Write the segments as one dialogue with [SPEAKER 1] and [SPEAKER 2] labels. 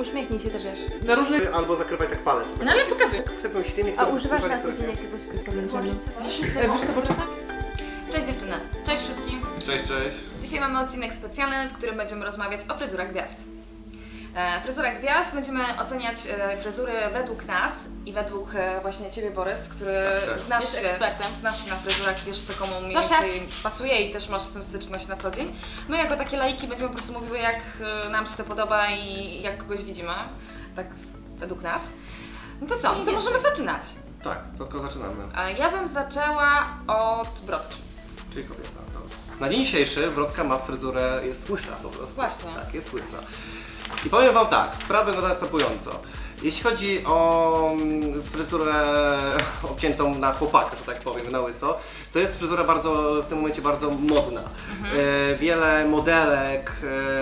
[SPEAKER 1] Uśmiechnij się też.
[SPEAKER 2] Do różnych...
[SPEAKER 3] Albo zakrywaj tak palec.
[SPEAKER 2] No ale pokazuj.
[SPEAKER 3] Sypią ślinie,
[SPEAKER 1] A używasz na co dzień jakiegoś męczenia?
[SPEAKER 2] Wiesz co potrzeba?
[SPEAKER 4] Cześć dziewczyny.
[SPEAKER 2] Cześć wszystkim.
[SPEAKER 3] Cześć, cześć.
[SPEAKER 4] Dzisiaj mamy odcinek specjalny, w którym będziemy rozmawiać o fryzurach gwiazd. Fryzura gwiazd, będziemy oceniać fryzury według nas i według właśnie Ciebie, Borys, który znasz się na fryzurach, wiesz co komu mniej więcej pasuje i też masz z tym styczność na co dzień. My jako takie laiki będziemy po prostu mówiły, jak nam się to podoba i jak kogoś widzimy, tak według nas. No to co, to możemy zaczynać.
[SPEAKER 3] Tak, to tylko zaczynamy.
[SPEAKER 4] Ja bym zaczęła od brodki.
[SPEAKER 3] Czyli kobieta. Na dzień dzisiejszy brodka ma fryzurę, jest łysa po prostu.
[SPEAKER 4] Właśnie.
[SPEAKER 3] Tak, jest łysa. I powiem Wam tak, sprawa wygląda następująco. Jeśli chodzi o fryzurę obciętą na chłopaka, że tak powiem, na łyso, to jest fryzura w tym momencie bardzo modna. Wiele modelek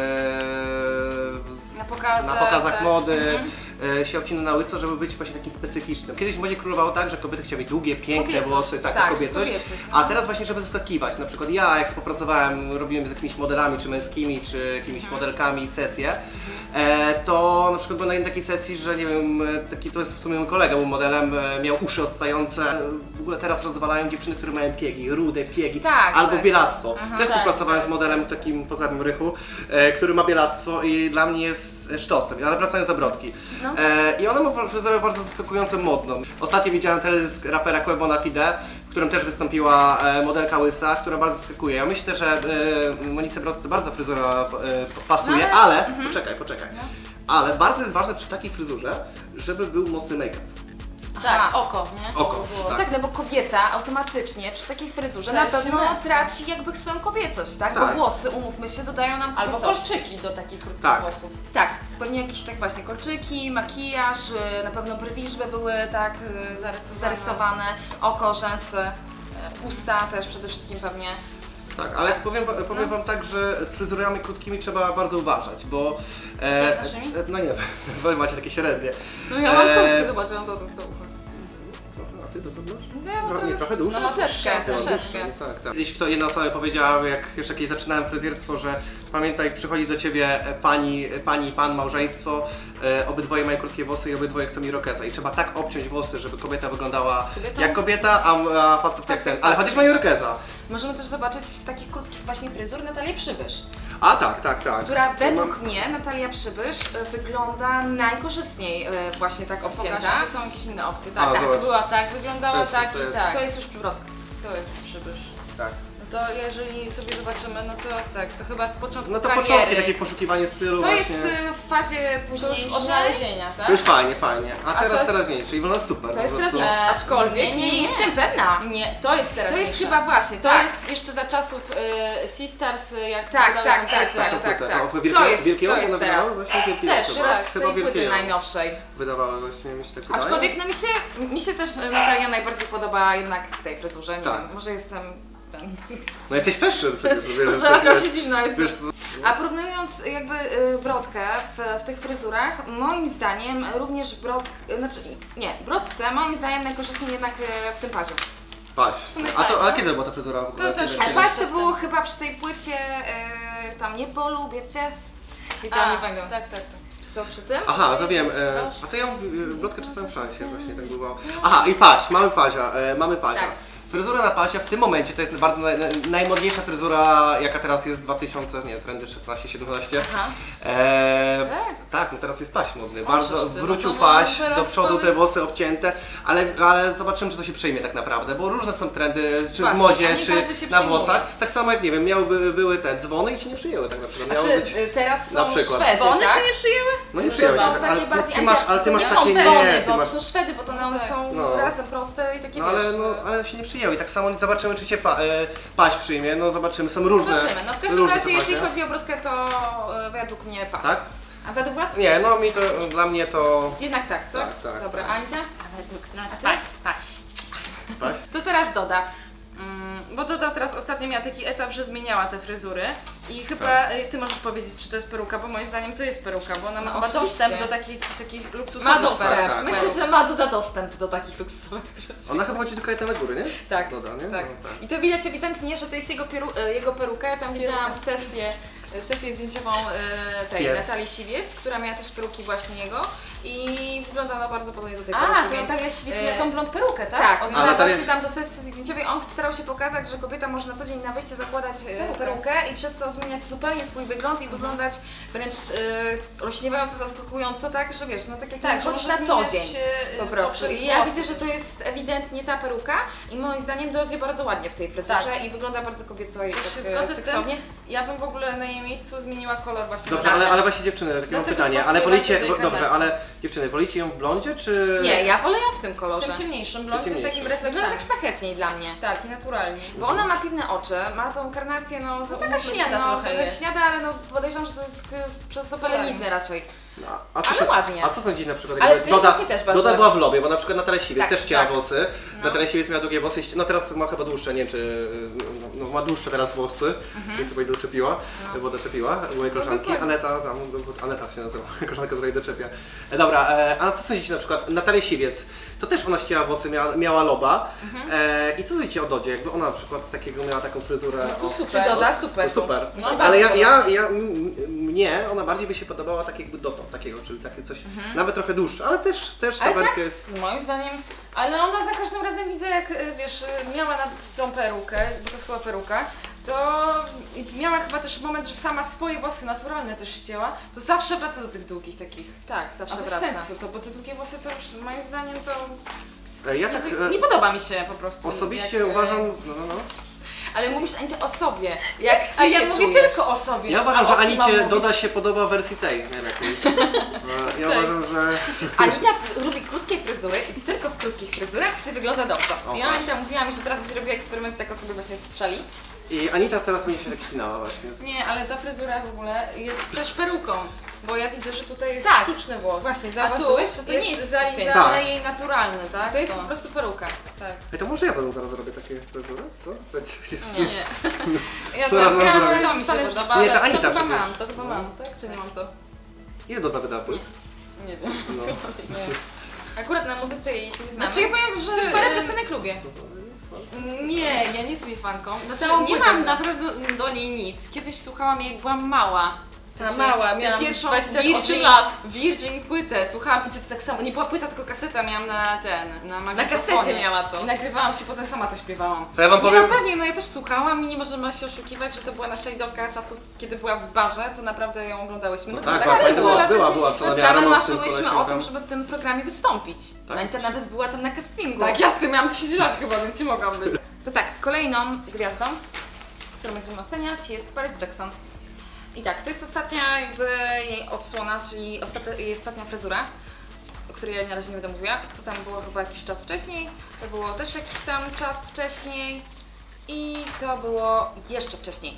[SPEAKER 4] Na pokazach
[SPEAKER 3] tak. Mody się obcina na łyso, żeby być właśnie takim specyficznym. Kiedyś w modzie królowało tak, że kobiety chciały mieć długie, piękne włosy, taka kobiecość. A teraz właśnie, żeby zaskakiwać. Na przykład ja, jak współpracowałem, robiłem z jakimiś modelami, czy męskimi, czy jakimiś modelkami sesje, to na przykład byłem na jednej takiej sesji, że nie wiem, to jest w sumie mój kolega, był modelem, miał uszy odstające. W ogóle teraz rozwalają dziewczyny, które mają piegi, rude piegi, albo bielactwo. Też współpracowałem z modelem takim, pozdrawiam Rychu, który ma bielactwo i dla mnie jest sztosem, ale wracając do brodki. I ona ma fryzurę bardzo zaskakująco modną. Ostatnio widziałem teledysk rapera Quavo na Fide, w którym też wystąpiła modelka łysa, która bardzo zaskakuje. Ja myślę, że Monice Brodce bardzo fryzura pasuje, ale poczekaj. Ale bardzo jest ważne przy takiej fryzurze, żeby był mocny make-up.
[SPEAKER 4] Tak, oko, nie?
[SPEAKER 3] Oko, tak.
[SPEAKER 4] Tak, no bo kobieta automatycznie przy takiej fryzurze na pewno traci jakby swoją kobiecość, tak? Bo włosy, umówmy się, dodają nam
[SPEAKER 2] albo
[SPEAKER 4] kobiecości.
[SPEAKER 2] kolczyki do takich krótkich włosów.
[SPEAKER 4] Tak, pewnie jakieś tak właśnie kolczyki, makijaż, na pewno brwi, żeby były tak zarysowane, oko, rzęsy, usta też przede wszystkim pewnie.
[SPEAKER 3] Tak, ale powiem Wam tak, że z fryzurami krótkimi trzeba bardzo uważać, bo... no nie, Wy macie takie średnie.
[SPEAKER 2] No ja mam krótkie, zobaczyłam to ucho.
[SPEAKER 3] A Ty to masz?
[SPEAKER 2] Nie,
[SPEAKER 3] trochę dłuższe?
[SPEAKER 2] No troszeczkę.
[SPEAKER 3] Tak. Jeśli jedna osoba mi powiedziała, jak jeszcze kiedyś zaczynałem fryzjerstwo, że pamiętaj, przychodzi do Ciebie pani i pan, małżeństwo, obydwoje mają krótkie włosy i obydwoje chcą irokeza i trzeba tak obciąć włosy, żeby kobieta wyglądała jak kobieta, a facet jak ten, ale chociaż mają irokeza.
[SPEAKER 4] Możemy też zobaczyć z takich krótkich właśnie fryzur Natalię Przybysz.
[SPEAKER 3] A tak.
[SPEAKER 4] Która według mnie, Natalia Przybysz, wygląda najkorzystniej właśnie tak obcięta.
[SPEAKER 2] To są jakieś inne opcje. Tak, to była tak, wyglądała tak i tak.
[SPEAKER 4] To jest już przybrodka.
[SPEAKER 2] To jest Przybysz.
[SPEAKER 3] Tak.
[SPEAKER 2] No to jeżeli sobie zobaczymy, no to tak, to chyba z początku
[SPEAKER 3] No to
[SPEAKER 2] kariery.
[SPEAKER 3] początki, takie poszukiwanie stylu
[SPEAKER 4] To
[SPEAKER 3] właśnie.
[SPEAKER 4] jest w fazie późniejszej.
[SPEAKER 2] Odnalezienia, tak?
[SPEAKER 3] To już fajnie. A teraz teraźniejsze i wygląda super.
[SPEAKER 4] To jest teraźniejsze, aczkolwiek nie jestem pewna.
[SPEAKER 2] Nie, to jest teraźniejsze.
[SPEAKER 4] To jest chyba właśnie,
[SPEAKER 2] To jest jeszcze za czasów Sisters, jak
[SPEAKER 4] tak. To jest teraz.
[SPEAKER 3] Właśnie wielki
[SPEAKER 4] też,
[SPEAKER 3] teraz
[SPEAKER 4] z tej płyty najnowszej.
[SPEAKER 3] Wydawały właśnie, mi się tak wydaje.
[SPEAKER 4] Aczkolwiek no mi się też Natalia najbardziej podoba jednak w tej fryzurze, nie wiem, może jestem ten...
[SPEAKER 3] No jesteś fashion przecież.
[SPEAKER 4] Może się dziwna jest. A porównując jakby brodkę w tych fryzurach, moim zdaniem również brodce moim zdaniem najkorzystniej jednak w tym paziu.
[SPEAKER 3] Paź. A kiedy była ta fryzura?
[SPEAKER 2] To też.
[SPEAKER 4] A paź to było chyba przy tej płycie tam nie polubię cię. I tam nie pamiętam.
[SPEAKER 2] Tak.
[SPEAKER 4] Co przy tym?
[SPEAKER 3] Aha, to wiem. A to ja brodkę czasem w szansie właśnie tak było. Aha, i paź, mamy pazia.
[SPEAKER 4] Tak.
[SPEAKER 3] Fryzura na pasie w tym momencie to jest bardzo najmodniejsza fryzura, jaka teraz jest 2000, nie, trendy 16-17. Tak, no teraz jest paś modny. Bardzo wrócił paś, do przodu te włosy obcięte, ale zobaczymy, czy to się przyjmie tak naprawdę, bo różne są trendy, czy w modzie, czy na włosach. Tak samo jak, nie wiem, były te dzwony i się nie przyjęły tak naprawdę.
[SPEAKER 4] Teraz
[SPEAKER 3] na
[SPEAKER 4] są
[SPEAKER 3] przykład
[SPEAKER 4] Szwedy,
[SPEAKER 2] dzwony
[SPEAKER 4] tak?
[SPEAKER 2] się nie przyjęły?
[SPEAKER 3] No nie przyjęły, ale ty masz
[SPEAKER 4] nie
[SPEAKER 3] takie,
[SPEAKER 4] dzwony,
[SPEAKER 3] ty
[SPEAKER 4] bo
[SPEAKER 3] masz...
[SPEAKER 4] to są Szwedy, bo to one są razem proste i takie
[SPEAKER 3] ale się nie przyjęły i tak samo zobaczymy, czy cię paś przyjmie, no zobaczymy, są różne.
[SPEAKER 4] Zobaczymy, no w każdym razie jeśli chodzi o brodkę, to według mnie paś.
[SPEAKER 3] Tak?
[SPEAKER 4] A według was?
[SPEAKER 3] Nie, no dla mnie to...
[SPEAKER 4] Jednak tak. Dobra, Anita?
[SPEAKER 1] A według nas
[SPEAKER 4] paś. To teraz Doda.
[SPEAKER 2] Bo Doda teraz ostatnio miała taki etap, że zmieniała te fryzury i chyba ty możesz powiedzieć, czy to jest peruka, bo moim zdaniem to jest peruka, bo ona ma dostęp do takich luksusowych
[SPEAKER 4] Ma dostęp.
[SPEAKER 3] Tak.
[SPEAKER 4] Myślę, że ma Doda dostęp do takich luksusowych rzeczy.
[SPEAKER 3] Ona chyba chodzi do Kajetana Góry, nie?
[SPEAKER 4] Tak.
[SPEAKER 3] Doda, nie?
[SPEAKER 4] Tak.
[SPEAKER 3] No, tak.
[SPEAKER 4] I to widać ewidentnie, że to jest jego peruka. Ja tam widziałam sesję sesję zdjęciową tej Natalii Siwiec, która miała też peruki właśnie jego i wygląda ona bardzo podobnie do tej peruki.
[SPEAKER 1] A, to Natalia Siwiec miała tą blond perukę, tak?
[SPEAKER 4] Tak, ona właśnie tam do sesji zdjęciowej, on starał się pokazać, że kobieta może na co dzień na wyjście zakładać perukę i przez to zmieniać zupełnie swój wygląd i wyglądać wręcz olśniewająco, zaskakująco, tak, że wiesz, no tak jak
[SPEAKER 1] tak,
[SPEAKER 4] chodzisz na co dzień po prostu. I ja widzę, że to jest ewidentnie ta peruka i moim zdaniem dojdzie bardzo ładnie w tej fryzurze i wygląda bardzo kobieco i
[SPEAKER 2] tak
[SPEAKER 4] się
[SPEAKER 2] zgodzę z tym. Ja bym w ogóle na jej miejscu zmieniła kolor właśnie.
[SPEAKER 3] Dobrze, ale właśnie dziewczyny, takie mam pytanie, ale wolicie, dobrze, ale dziewczyny, wolicie ją w blondzie, czy...
[SPEAKER 4] Nie, ja wolę ją w tym kolorze.
[SPEAKER 2] W tym ciemniejszym blondzie z takim
[SPEAKER 4] Wygląda
[SPEAKER 2] refleksem.
[SPEAKER 4] tak szlachetniej dla mnie.
[SPEAKER 2] Tak, i naturalnie.
[SPEAKER 4] Bo ona ma piwne oczy, ma tą karnację, no
[SPEAKER 1] taka śniada trochę jest.
[SPEAKER 4] Śniada, ale no podejrzewam, że to jest przez opaleniznę raczej.
[SPEAKER 3] No,
[SPEAKER 4] Ale ładnie.
[SPEAKER 3] A co sądzisz na przykład,
[SPEAKER 4] Ale
[SPEAKER 3] jakby
[SPEAKER 4] ty właśnie też bardzo
[SPEAKER 3] Doda była w
[SPEAKER 4] ładnie.
[SPEAKER 3] Lobie, bo na przykład Natalia Siwiec
[SPEAKER 4] Tak,
[SPEAKER 3] też chciała
[SPEAKER 4] tak.
[SPEAKER 3] włosy.
[SPEAKER 4] No.
[SPEAKER 3] Natalia Siwiec miała długie włosy, no teraz ma chyba dłuższe, nie wiem czy... No, ma dłuższe teraz włosy, nie sobie doczepiła, bo doczepiła u mojej koleżanki. Aneta się nazywa, koleżanka, która jej doczepia. Dobra, a co sądzicie na przykład, Natalia Siwiec, to też ona ścięła włosy, miała Loba. I co sądzicie o Dodzie, jakby ona na przykład miała taką fryzurę?
[SPEAKER 4] Czy Doda? Super.
[SPEAKER 3] Super.
[SPEAKER 4] No,
[SPEAKER 3] Ale mnie ona bardziej by się podobała tak jakby dotąd takiego, czyli takie coś, nawet trochę dłuższe, ale też ta
[SPEAKER 2] Ale
[SPEAKER 3] wersja
[SPEAKER 2] tak,
[SPEAKER 3] jest...
[SPEAKER 2] moim zdaniem, ale ona za każdym razem widzę, jak wiesz, miała nad tą perukę, bo to jest chyba peruka, to miała chyba też moment, że sama swoje włosy naturalne też ścięła, to zawsze wraca do tych długich takich.
[SPEAKER 4] Tak, zawsze
[SPEAKER 2] A bez
[SPEAKER 4] wraca.
[SPEAKER 2] sensu to, bo te długie włosy to już moim zdaniem to
[SPEAKER 3] Ja tak
[SPEAKER 2] nie podoba mi się po prostu.
[SPEAKER 3] osobiście
[SPEAKER 2] jak,
[SPEAKER 3] uważam,
[SPEAKER 4] Ale mówisz Anita o sobie, jak ty
[SPEAKER 2] A ja
[SPEAKER 4] się
[SPEAKER 2] mówię
[SPEAKER 4] czujesz?
[SPEAKER 2] tylko o sobie.
[SPEAKER 3] ja uważam,
[SPEAKER 2] A
[SPEAKER 3] że
[SPEAKER 2] o kim mam
[SPEAKER 3] Anicie
[SPEAKER 2] mówić?
[SPEAKER 3] Doda się podoba w wersji tej najlepiej. Ja uważam, że...
[SPEAKER 4] Anita lubi krótkie fryzury i tylko w krótkich fryzurach się wygląda dobrze.
[SPEAKER 3] O,
[SPEAKER 4] Ja
[SPEAKER 3] tak.
[SPEAKER 4] Anita mówiła mi, że teraz zrobiła eksperyment, tak o sobie właśnie strzeli.
[SPEAKER 3] I Anita teraz będzie się tak ścinała właśnie.
[SPEAKER 2] Nie, ale ta fryzura w ogóle jest też peruką, bo ja widzę, że tutaj jest
[SPEAKER 4] Tak.
[SPEAKER 2] sztuczny włos.
[SPEAKER 4] Właśnie,
[SPEAKER 2] a tu
[SPEAKER 4] zauważyłeś, że to
[SPEAKER 2] jest
[SPEAKER 4] nie jest
[SPEAKER 2] zalizane
[SPEAKER 3] Tak.
[SPEAKER 2] jej naturalny, tak?
[SPEAKER 4] To jest po prostu peruka.
[SPEAKER 2] Tak.
[SPEAKER 3] Ej, to może ja potem zaraz zrobię takie fryzury, co? Chcecie?
[SPEAKER 2] Nie. Ja
[SPEAKER 3] Zaraz
[SPEAKER 2] teraz
[SPEAKER 3] zrobię.
[SPEAKER 2] to mi się podoba,
[SPEAKER 3] Nie, to
[SPEAKER 2] ale
[SPEAKER 3] Anita
[SPEAKER 2] to chyba
[SPEAKER 3] przecież.
[SPEAKER 2] mam, to chyba mam, tak? Czy nie mam to?
[SPEAKER 3] Ile Doda wyda płyt?
[SPEAKER 2] Nie wiem.
[SPEAKER 3] No.
[SPEAKER 2] Nie.
[SPEAKER 4] Akurat na muzyce jej się nie znamy.
[SPEAKER 2] Znaczy ja powiem, że...
[SPEAKER 4] Też parę piosenek lubię.
[SPEAKER 2] Nie, ja nie jestem jej fanką. Znaczy,
[SPEAKER 4] Całą
[SPEAKER 2] nie
[SPEAKER 4] płytę
[SPEAKER 2] mam
[SPEAKER 4] znam.
[SPEAKER 2] naprawdę do niej nic. Kiedyś słuchałam jej, jak byłam mała. W sensie,
[SPEAKER 4] mała, miałam
[SPEAKER 2] pierwszą
[SPEAKER 4] 28 lat.
[SPEAKER 2] Virgin płytę słuchałam i to tak samo, nie była płyta, tylko kaseta miałam na
[SPEAKER 4] Na
[SPEAKER 2] magnetofonie.
[SPEAKER 4] kasecie miała to.
[SPEAKER 2] I nagrywałam się, potem sama to śpiewałam.
[SPEAKER 3] To ja wam
[SPEAKER 4] Nie,
[SPEAKER 3] powiem...
[SPEAKER 4] no pewnie, no ja też słuchałam i nie możemy się oszukiwać, że to była nasza idolka czasów, kiedy była w barze, to naprawdę ją oglądałyśmy.
[SPEAKER 3] No
[SPEAKER 4] to
[SPEAKER 3] tak,
[SPEAKER 4] ale
[SPEAKER 3] była co
[SPEAKER 4] no,
[SPEAKER 3] na
[SPEAKER 4] same
[SPEAKER 3] rano z tym
[SPEAKER 4] marzyłyśmy o
[SPEAKER 3] koleśnikiem.
[SPEAKER 4] tym, żeby w tym programie wystąpić.
[SPEAKER 3] Tak?
[SPEAKER 4] Anita nawet była tam na castingu.
[SPEAKER 2] Tak, jasne, miałam 10 lat chyba, więc nie mogłam być.
[SPEAKER 4] To tak, kolejną gwiazdą, którą będziemy oceniać, jest Paris Jackson. I tak, to jest ostatnia jakby jej odsłona, czyli jej ostatnia fryzura, o której ja na razie nie będę mówiła. To tam było chyba jakiś czas wcześniej, to było też jakiś tam czas wcześniej i to było jeszcze wcześniej.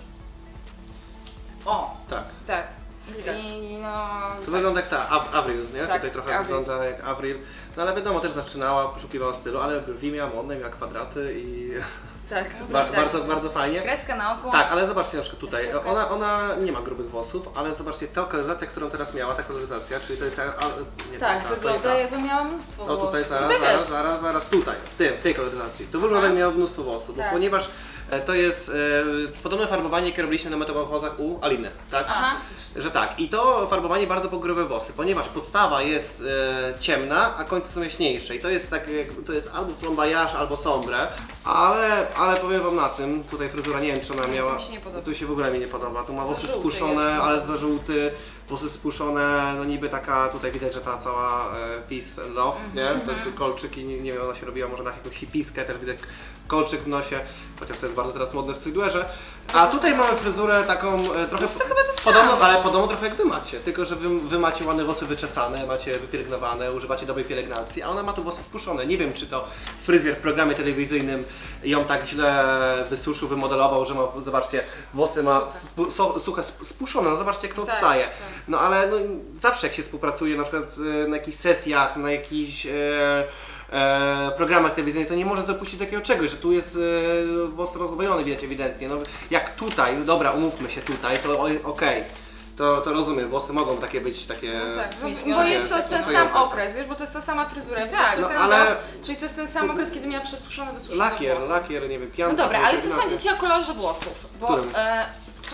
[SPEAKER 4] O,
[SPEAKER 3] Tak.
[SPEAKER 4] tak.
[SPEAKER 2] Widać.
[SPEAKER 4] I no...
[SPEAKER 3] To wygląda jak ta Avril, nie?
[SPEAKER 4] Tak,
[SPEAKER 3] Tutaj trochę
[SPEAKER 4] Avril.
[SPEAKER 3] wygląda jak Avril. No ale wiadomo, też zaczynała, poszukiwała stylu, ale brwi miała modne, miała kwadraty i
[SPEAKER 4] Tak, tutaj tak.
[SPEAKER 3] bardzo fajnie.
[SPEAKER 4] Kreska na oku.
[SPEAKER 3] Tak, ale zobaczcie na przykład tutaj,
[SPEAKER 4] Jeszcze
[SPEAKER 3] ona nie ma grubych włosów, ale zobaczcie, ta koloryzacja, którą teraz miała, ta koloryzacja, czyli to jest nie
[SPEAKER 4] Tak,
[SPEAKER 3] ta,
[SPEAKER 4] wygląda
[SPEAKER 3] ta.
[SPEAKER 4] jakby miała mnóstwo
[SPEAKER 3] No tutaj
[SPEAKER 4] włosów.
[SPEAKER 3] zaraz, tutaj, w tej koloryzacji. Tu wygląda jak miała mnóstwo włosów, bo
[SPEAKER 4] Tak.
[SPEAKER 3] ponieważ to jest podobne farbowanie, jakie robiliśmy na metamorfozach u Aliny, tak?
[SPEAKER 4] Aha.
[SPEAKER 3] Że tak, i to farbowanie bardzo pogrube włosy, ponieważ podstawa jest ciemna, a końce są jaśniejsze i to jest tak, to jest albo flamboyage, albo sombre, ale powiem wam na tym, tutaj fryzura, nie wiem czy ona miała,
[SPEAKER 2] mi się nie podoba.
[SPEAKER 3] tu się w ogóle mi nie podoba, tu ma włosy
[SPEAKER 2] żółty
[SPEAKER 3] spuszczone,
[SPEAKER 2] jest, no.
[SPEAKER 3] ale za żółty, włosy spuszczone, no niby taka, tutaj widać, że ta cała peace and love, nie? Ten kolczyk i nie wiem, ona się robiła może na jakąś hipiskę, też widać kolczyk w nosie, chociaż to jest bardzo teraz modne w streetwearze. A tutaj mamy fryzurę taką trochę podobną, ale podobną trochę jak wy macie, tylko że wy macie ładne włosy wyczesane, macie wypielęgnowane, używacie dobrej pielęgnacji, a ona ma tu włosy spuszczone. Nie wiem, czy to fryzjer w programie telewizyjnym ją tak źle wysuszył, wymodelował, że ma, zobaczcie, włosy ma suche, spuszczone, no zobaczcie jak to
[SPEAKER 2] Tak,
[SPEAKER 3] odstaje.
[SPEAKER 2] tak.
[SPEAKER 3] No ale no, zawsze jak się współpracuje na przykład na jakichś sesjach, na jakichś programach telewizyjnych, to nie można dopuścić takiego czegoś, że tu jest włos rozdwojony, widać ewidentnie. No, jak tutaj, no dobra, umówmy się tutaj, to okej. To rozumiem, włosy mogą takie być, takie...
[SPEAKER 2] No tak,
[SPEAKER 4] zmienione,
[SPEAKER 2] bo jest to ten sam
[SPEAKER 3] stojące.
[SPEAKER 2] okres, wiesz, bo to jest ta sama fryzura,
[SPEAKER 3] Tak,
[SPEAKER 2] to jest
[SPEAKER 3] no,
[SPEAKER 2] ten
[SPEAKER 3] ale-
[SPEAKER 2] czyli to jest ten sam okres, kiedy miała przesuszone, wysuszone
[SPEAKER 3] Lakier,
[SPEAKER 2] włosy.
[SPEAKER 3] lakier, nie wiem, pianka.
[SPEAKER 4] No dobra, ale co
[SPEAKER 3] pielęgnacja.
[SPEAKER 4] sądzicie o kolorze włosów? Bo
[SPEAKER 3] Którym?
[SPEAKER 4] tutaj na początku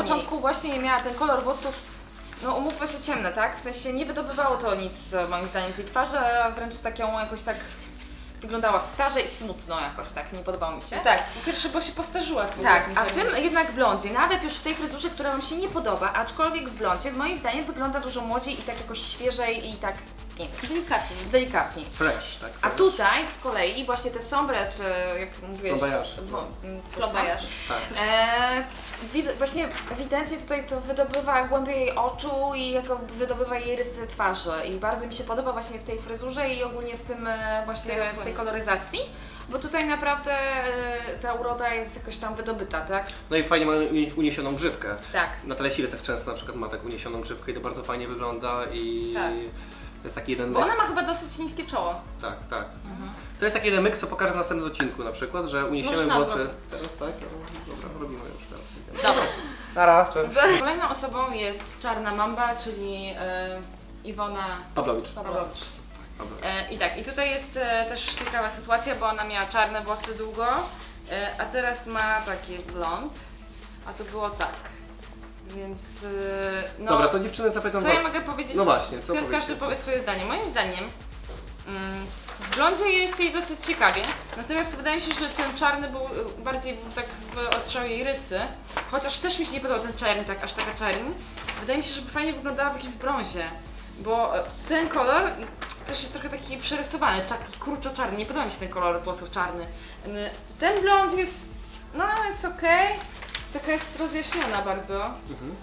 [SPEAKER 4] początku właśnie miała ten kolor włosów, no umówmy się, ciemne, tak? W sensie nie wydobywało to nic moim zdaniem z jej twarzy, a wręcz taką jakoś tak wyglądała starzej i smutno jakoś tak, nie podobało mi się.
[SPEAKER 2] Tak, po pierwsze, bo się postarzyła.
[SPEAKER 4] Tak, a w tym jednak blondzie, nawet już w tej fryzurze, która Wam się nie podoba, aczkolwiek w blondzie, moim zdaniem wygląda dużo młodziej i tak jakoś świeżej i tak pięknie. Delikatniej.
[SPEAKER 3] Fresh, tak.
[SPEAKER 4] A tutaj z kolei właśnie te sombre, czy jak mówiłeś...
[SPEAKER 3] Flobajarz. Tak.
[SPEAKER 4] Właśnie ewidentnie tutaj to wydobywa głębię jej oczu i jakby wydobywa jej rysy twarzy i bardzo mi się podoba właśnie w tej fryzurze i ogólnie w tym właśnie w tej koloryzacji, bo tutaj naprawdę ta uroda jest jakoś tam wydobyta, tak?
[SPEAKER 3] No i fajnie ma uniesioną grzywkę.
[SPEAKER 4] Tak.
[SPEAKER 3] Natalia Silek tak często na przykład ma tak uniesioną grzywkę i to bardzo fajnie wygląda i to jest taki jeden
[SPEAKER 2] Bo ona ma chyba dosyć niskie czoło.
[SPEAKER 3] Tak, tak. To jest taki jeden myk, co pokażę w następnym odcinku na przykład, że uniesiemy włosy. Teraz tak? Dobra, robimy już teraz.
[SPEAKER 4] Dobra.
[SPEAKER 3] Nara, cześć.
[SPEAKER 2] Kolejną osobą jest Czarna Mamba, czyli Iwona
[SPEAKER 3] Pawlowicz.
[SPEAKER 2] I tak, i tutaj jest też ciekawa sytuacja, bo ona miała czarne włosy długo, a teraz ma taki blond, a to było tak. Więc no.
[SPEAKER 3] Dobra, to dziewczyny zapytam
[SPEAKER 2] co
[SPEAKER 3] was.
[SPEAKER 2] ja mogę powiedzieć?
[SPEAKER 3] No właśnie, co
[SPEAKER 2] każdy powie swoje zdanie. Moim zdaniem w blondzie jest jej dosyć ciekawie, natomiast wydaje mi się, że ten czarny był bardziej tak wyostrzał jej rysy, chociaż też mi się nie podobał ten czarny, tak aż taka czarny. Wydaje mi się, że fajnie wyglądała w jakimś brązie, bo ten kolor też jest trochę taki przerysowany, taki kurczo-czarny, nie podoba mi się ten kolor włosów czarny. Ten blond jest, no jest okej. Taka jest rozjaśniona bardzo,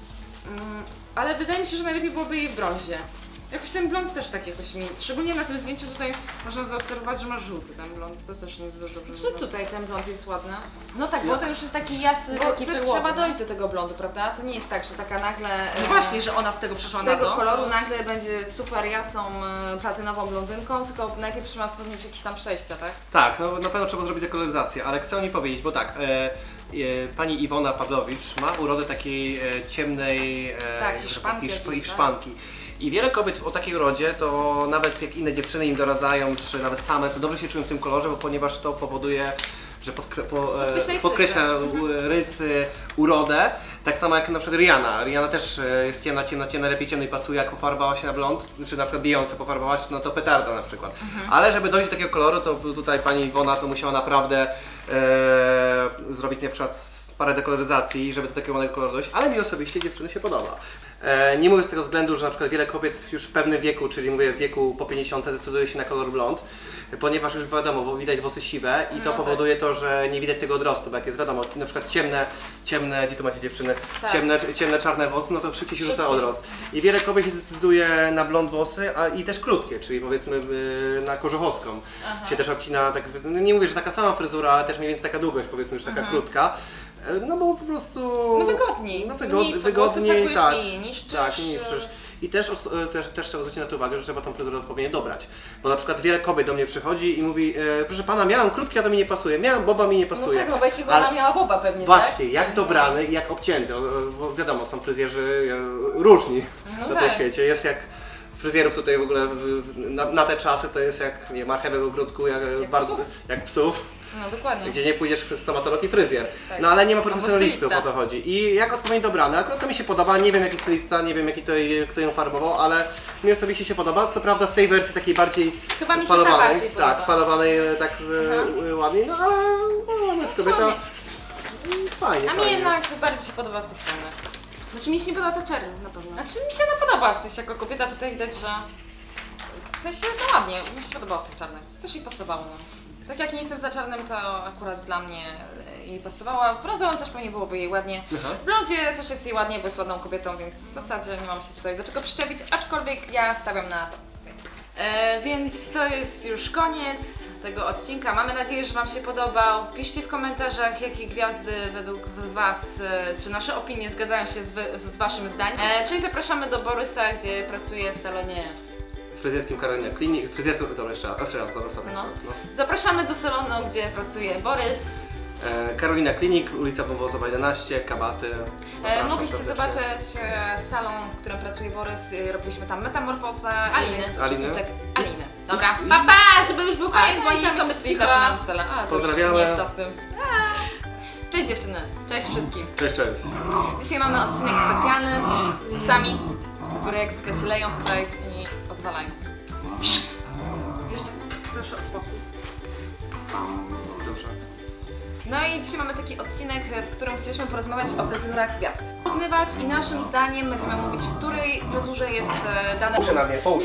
[SPEAKER 2] ale wydaje mi się, że najlepiej byłoby jej w brązie. Jakoś ten blond też tak jakoś mi, szczególnie na tym zdjęciu tutaj można zaobserwować, że ma żółty ten blond, to też nie jest dobrze.
[SPEAKER 4] Czy tutaj ten blond jest ładny?
[SPEAKER 2] No tak, bo to już jest taki jasny, taki
[SPEAKER 4] też
[SPEAKER 2] perłowy,
[SPEAKER 4] trzeba dojść do tego blondu, prawda? To nie jest tak, że taka nagle...
[SPEAKER 2] No właśnie, że ona z tego przeszła
[SPEAKER 4] na to. Z tego
[SPEAKER 2] to.
[SPEAKER 4] koloru nagle będzie super jasną, platynową blondynką, tylko najpierw trzeba wpełnić jakieś tam przejścia, tak?
[SPEAKER 3] Tak, no na pewno trzeba zrobić dekoloryzację, ale chcę o niej powiedzieć, bo tak, pani Iwona Pawlowicz ma urodę takiej ciemnej hiszpanki. I wiele kobiet o takiej urodzie, to nawet jak inne dziewczyny im doradzają, czy nawet same, to dobrze się czują w tym kolorze, bo ponieważ to powoduje, że podkreśla rysy, urodę. Tak samo jak na przykład Rihanna. Rihanna też jest ciemna, lepiej ciemnej pasuje, jak pofarbowała się na blond, czy na przykład Beyoncé pofarbowała się, no to petarda na przykład. Ale żeby dojść do takiego koloru, to tutaj pani Iwona to musiała naprawdę zrobić na przykład parę dekoloryzacji, żeby do takiego ładnego koloru dojść, ale mi osobiście dziewczyny się podoba. Nie mówię z tego względu, że na przykład wiele kobiet już w pewnym wieku, czyli mówię w wieku po 50 decyduje się na kolor blond, ponieważ już wiadomo, bo widać włosy siwe i to powoduje to, że nie widać tego odrostu, bo jak jest wiadomo, na przykład ciemne, gdzie tu macie dziewczyny, ciemne czarne włosy, no to szybciej się rzuca odrost. I wiele kobiet się decyduje na blond włosy, i też krótkie, czyli powiedzmy na korzuchowską. Się też obcina, tak, no nie mówię, że taka sama fryzura, ale też mniej więcej taka długość, powiedzmy już taka krótka. No bo po prostu...
[SPEAKER 2] No wygodniej.
[SPEAKER 3] No wygodniej, tak.
[SPEAKER 2] Niszczysz.
[SPEAKER 3] I też trzeba zwrócić na to uwagę, że trzeba tą fryzurę odpowiednio dobrać. Bo na przykład wiele kobiet do mnie przychodzi i mówi, proszę pana, miałam krótkie, a to mi nie pasuje, miałam boba, mi nie pasuje.
[SPEAKER 2] No tak, no bo jakiego ona miała boba pewnie,
[SPEAKER 3] właśnie,
[SPEAKER 2] tak?
[SPEAKER 3] jak dobrany i jak obcięty, bo wiadomo, są fryzjerzy różni na tym świecie. Jest jak fryzjerów tutaj w ogóle na te czasy to jest jak marchewę w ogródku, jak psów.
[SPEAKER 2] No dokładnie.
[SPEAKER 3] Gdzie nie pójdziesz w stomatolog i fryzjer. Tak. No ale nie ma profesjonalistów, o to chodzi. I jak odpowiednio dobrane, akurat to mi się podoba, nie wiem jaki stylista, nie wiem kto ją farbował, ale mi osobiście się podoba. Co prawda w tej wersji takiej bardziej falowanej, falowanej tak ładniej, no ale ona jest kobieta. Fajnie.
[SPEAKER 2] A mi jednak bardziej się podoba w tych ciemnych. Znaczy mi się nie podoba ta czerń na pewno. Znaczy mi się ona podoba, w sensie jako kobieta tutaj widać, że w sensie to ładnie, mi się podobało w tych czarnych. Też jej pasowało. No. Tak jak nie jestem za czarnym, to akurat dla mnie jej pasowała. Brązową też pewnie byłoby jej ładnie. W blondzie też jest jej ładnie, bo jest ładną kobietą, więc w zasadzie nie mam się tutaj do czego przyczepić, aczkolwiek ja stawiam na to. Więc to jest już koniec tego odcinka. Mamy nadzieję, że Wam się podobał. Piszcie w komentarzach, jakie gwiazdy według Was, czy nasze opinie zgadzają się z Waszym zdaniem. Czyli zapraszamy do Borysa, gdzie pracuje w salonie
[SPEAKER 3] fryzjerskim Karolina Klinik.
[SPEAKER 2] Zapraszamy do salonu, gdzie pracuje Borys.
[SPEAKER 3] Karolina Klinik, ulica Wąwozowa 11, Kabaty.
[SPEAKER 4] Mogliście zobaczyć salon, w którym pracuje Borys. Robiliśmy tam metamorfozę
[SPEAKER 3] Aliny.
[SPEAKER 4] Dobra, pa, żeby już był koniec, bo nie chcą być cała.
[SPEAKER 3] Pozdrawiamy.
[SPEAKER 4] Cześć. Cześć dziewczyny, cześć wszystkim.
[SPEAKER 3] Cześć, cześć.
[SPEAKER 4] Dzisiaj mamy odcinek specjalny z psami, które jak zwykle się leją tutaj i odwalają. Jeszcze proszę o spokój.
[SPEAKER 3] Dobrze.
[SPEAKER 4] No i dzisiaj mamy taki odcinek, w którym chcieliśmy porozmawiać o fryzurach gwiazd. Porównywać i naszym zdaniem będziemy mówić, w której fryzurze jest dane...
[SPEAKER 3] Połóż na mnie, połóż.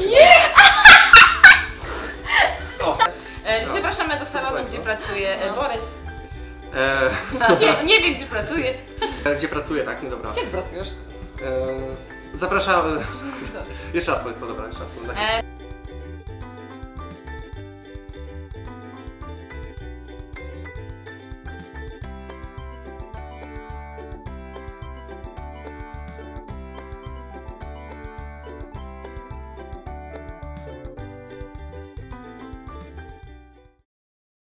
[SPEAKER 4] Zapraszamy do salonu, gdzie pracuje Borys. Nie wie, gdzie pracuje.
[SPEAKER 3] Gdzie pracuję, tak? No dobra.
[SPEAKER 4] Gdzie ty pracujesz?
[SPEAKER 3] Zapraszam... Jeszcze raz powiedz to, dobra, jeszcze raz.